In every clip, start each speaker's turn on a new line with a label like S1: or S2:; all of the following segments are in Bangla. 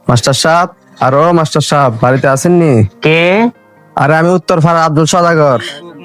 S1: মাস্টার সাহেব, আরো মাস্টার সাহেব বাড়িতে আসেননি?
S2: কে?
S1: আরে আমি উত্তর ফাড়া আব্দুল সদাগর।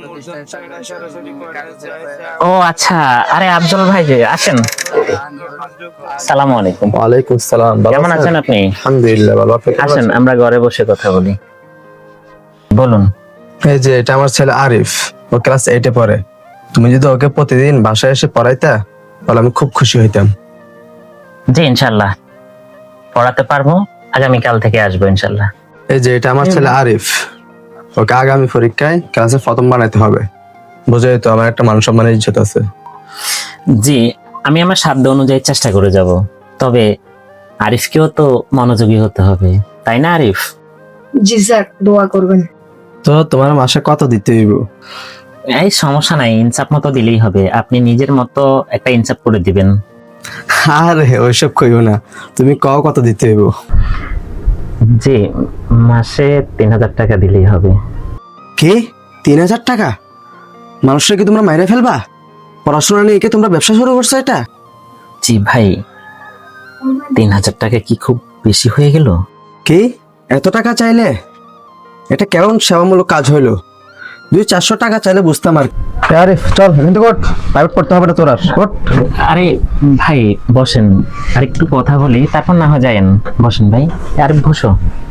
S2: ও আচ্ছা, আরে আফজল ভাই যে আসেন। সালামু আলাইকুম।
S1: ওয়ালাইকুম সালাম। ভালো
S2: কেমন আছেন আপনি?
S1: আলহামদুলিল্লাহ ভালো। আপনি কেমন
S2: আসেন
S1: আছেন?
S2: আমরা ঘরে বসে কথা বলি। বলুন।
S1: এই যে এটা আমার ছেলে আরিফ, ও ক্লাস 8 এ পড়ে। তুমি যদি ওকে প্রতিদিন বাসায় এসে পড়াইতা তাহলে আমি খুব খুশি হইতাম।
S2: জি ইনশাল্লাহ পড়াতে পারবো, আগামীকাল থেকে আসবো ইনশাল্লাহ।
S1: এই যে এটা আমার ছেলে আরিফ, ওকে আগামী পরীক্ষায় ক্লাসে প্রথম বানাইতে হবে। বুঝাই তো, আমার একটা মান সম্মানের ইজ্জত আছে।
S2: জি, আমি আমার সাধ্য অনুযায়ী চেষ্টা করে যাব, তবে আরিফকেও তো মনোযোগী হতে হবে, তাই না আরিফ?
S3: জি স্যার, দোয়া করবেন।
S1: তো তোমার মাসে কত দিতে হইব?
S2: এই সমস্যা নাই, ইনসাফ মতো দিলেই হবে। আপনি নিজের মতো একটা ইনসাফ করে দিবেন।
S1: আরে ওইসব কইও না, তুমি কও কত দিতে হইব।
S2: জি, মাসে 3,000 টাকা দিলেই হবে।
S1: কি 3,000 টাকা? মানুষরা কি তোমরা মাইরে ফেলবা? পড়াশোনা নিয়ে কি তোমরা ব্যবসা শুরু করছো? এটা
S2: জি ভাই, 3,000 টাকা কি খুব বেশি হয়ে গেল?
S1: কি এত টাকা চাইলে? এটা কেমন সেবামূলক কাজ হইলো? 200-400 টাকা চাইলে বুঝতাম। আর আরে চল এখান থেকে ওঠ, প্রাইভেট পড়তে হবে না তোর। আর ওঠ।
S2: আরে ভাই বসেন, আর একটু কথা বলি, তারপর না হয় যায়েন। বসেন ভাই, আর বসো।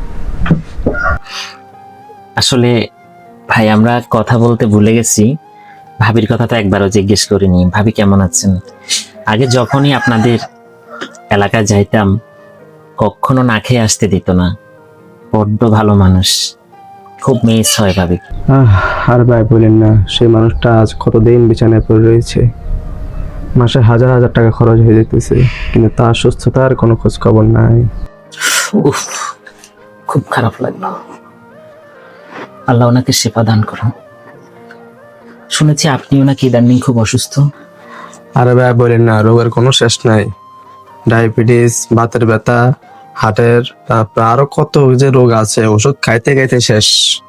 S2: আসলে ভাই আমরা কথা বলতে ভুলে গেছি, ভাবির কথা তো একবারও জিজ্ঞেস করিনি। ভাবি কেমন আছেন? আগে যখনই আপনাদের এলাকায় যাইতাম কখনো না খেয়ে আসতে দিত না। বড্ড ভালো মানুষ, খুব মিস হয় ভাবি।
S1: আর ভাই বলেন না, সেই মানুষটা আজ কতদিন বিছানায় পড়ে রয়েছে। মাসে হাজার হাজার টাকা খরচ হয়ে যেতেছে, কিন্তু তার সুস্থতার কোনো খোঁজ খবর নাই।
S2: উফ, খুব খারাপ লাগলো। আল্লাহ ওনাকে শেফা দান করুন। শুনেছি আপনিও নাকি ইদানিং খুব অসুস্থ।
S1: আরে ভাই বলেন না, রোগের কোনো শেষ নাই। ডায়াবেটিস, বাতের ব্যথা, হার্টের, তারপর আরো কত যে রোগ আছে, ওষুধ খাইতে খাইতে শেষ।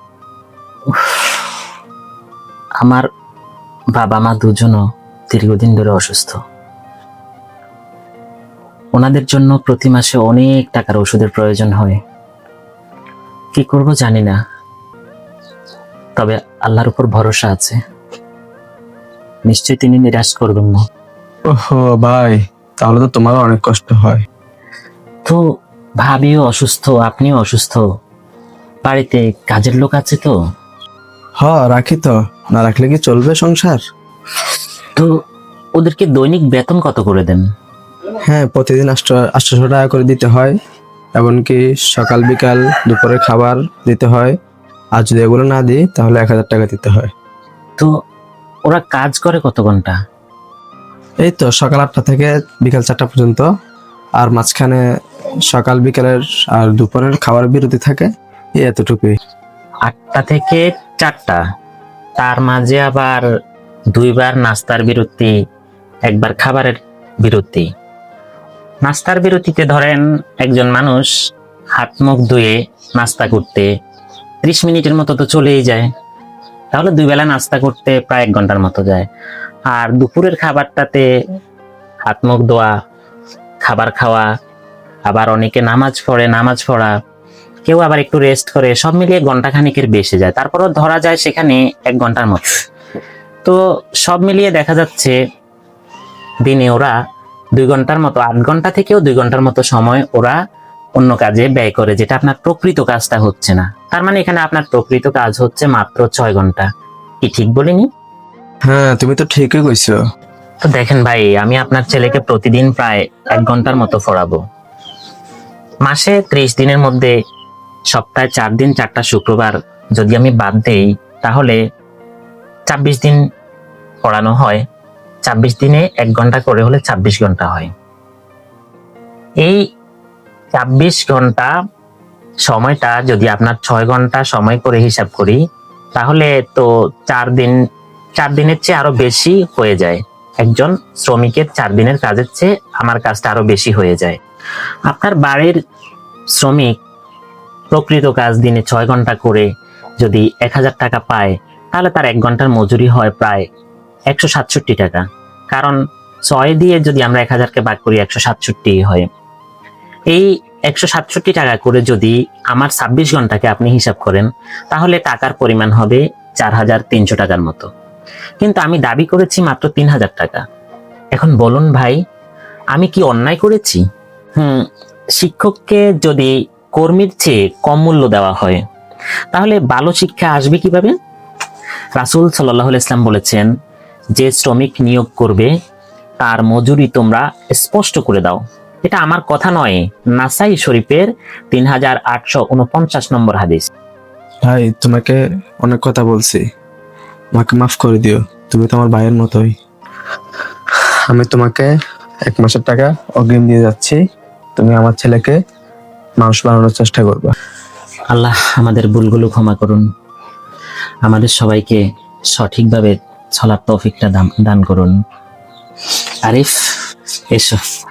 S2: আমার বাবা মা দুজনও দীর্ঘদিন ধরে অসুস্থ। ওনাদের জন্য প্রতি মাসে অনেক টাকার ওষুধের প্রয়োজন হয়। কি করব জানি না, তবে আল্লাহর উপর ভরসা আছে, নিশ্চয়ই তিনি নিরাশ করবেন না।
S1: ওহো ভাই, তাহলে তো তোমারও অনেক কষ্ট হয়।
S2: তো ভাবিও অসুস্থ, আপনিও অসুস্থ, বাড়িতে কাজের লোক আছে তো?
S1: রাখি তো, না রাখলে কি চলবে সংসার?
S2: তো ওদেরকে দৈনিক বেতন কত করে দেন?
S1: হ্যাঁ, প্রতিদিন 800 টাকা করে দিতে হয়। এমনকি সকাল বিকাল দুপুরের খাবার দিতে হয়। আর যদি এগুলো না দিই তাহলে 1,000 টাকা দিতে হয়।
S2: তো ওরা কাজ করে কত ঘন্টা?
S1: এই তো সকাল 8টা থেকে বিকাল 4টা পর্যন্ত। আর মাঝখানে সকাল বিকালের আর দুপুরের খাবার বিরতি থাকে, এই এতটুকুই।
S2: 8টা থেকে 4টা, তার মাঝে আবার 2বার নাস্তার বিরতি, একবার খাবারের বিরতি। নাস্তার বিরতিতে ধরেন একজন মানুষ হাত মুখ ধুয়ে নাস্তা করতে 30 মিনিটের মতো তো চলেই যায়, তাহলে 2 বেলা নাস্তা করতে প্রায় 1 ঘন্টার মতো যায়। আর দুপুরের খাবারটাতে হাত মুখ ধোয়া, খাবার খাওয়া, আবার অনেকে নামাজ পড়া, কেউ আবার একটু রেস্ট করে, সব মিলিয়ে ঘন্টা খানিকের বেশি যায়। তারপরও ধরা যায় সেখানে 1 ঘন্টার মতো। তো সব মিলিয়ে দেখা যাচ্ছে দিনে ওরা 2 ঘন্টার মতো, 8 ঘন্টা থেকেও 2 ঘন্টার মতো সময় ওরা অন্য কাজে ব্যয় করে, যেটা আপনার প্রকৃত কাজটা হচ্ছে না। তার মানে এখানে আপনার প্রকৃত কাজ হচ্ছে মাত্র 6 ঘন্টা। কি ঠিক বলিনি?
S1: হ্যাঁ, তুমি তো ঠিকই কইছো।
S2: তো দেখেন ভাই, আমি আপনার ছেলেকে প্রতিদিন প্রায় 1 ঘন্টার মতো পড়াবো। মাসে 30 দিনের মধ্যে সপ্তাহে 4 দিন 4টা শুক্রবার যদি আমি বাদ দেই, তাহলে 26 দিন পড়ানো হয়। 26 দিনে 1 ঘন্টা করে হলে 26 ঘন্টা হয়। এই 26 ঘন্টা সময়টা যদি আপনার 6 ঘন্টা সময় করে হিসাব করি, তাহলে তো 4 দিনের চেয়ে আরো বেশি হয়ে যায়। একজন শ্রমিকের 4 দিনের কাজের চেয়ে আমার কাজটা আরো বেশি হয়ে যায়। আপনার বাড়ির শ্রমিক প্রকৃত কাজ দিনে 6 ঘন্টা করে যদি 1,000 টাকা পায়, তাহলে তার 1 ঘন্টার মজুরি হয় প্রায় 167 টাকা। কারণ 6 দিয়ে যদি আমরা 1,000কে ভাগ করি 167 হয়। এই 167 টাকা করে যদি আমার 26 ঘন্টাকে আপনি হিসাব করেন, তাহলে টাকার পরিমাণ হবে 4300 টাকার মতো। কিন্তু আমি দাবি করেছি মাত্র 3000 টাকা। এখন বলুন ভাই, আমি কি অন্যায় করেছি? শিক্ষককে যদি কর্মীর চেয়ে কম মূল্য দেওয়া হয়, তাহলে ভালো শিক্ষা আসবে কিভাবে? রাসূল সাল্লাল্লাহু আলাইহি ওয়াসাল্লাম বলেছেন, যে শ্রমিক নিয়োগ করবে তার মজুরি তোমরা স্পষ্ট করে দাও। এটা আমার কথা নয়, নাসাই শরীফের 3849 নম্বর হাদিস।
S1: ভাই, তোমাকে অনেক কথা বলছি, আমাকে মাফ করে দিও। তুমি তো আমার ভাইয়ের মতোই। আমি তোমাকে 1 মাসের টাকা অগ্রিম দিয়ে যাচ্ছি। তুমি আমার ছেলেকে মানুষ বানানোর চেষ্টা করবা।
S2: আল্লাহ আমাদের ভুলগুলো ক্ষমা করুন, আমাদের সবাইকে সঠিকভাবে চলার তৌফিকটা দান করুন। আরিফ, এসো।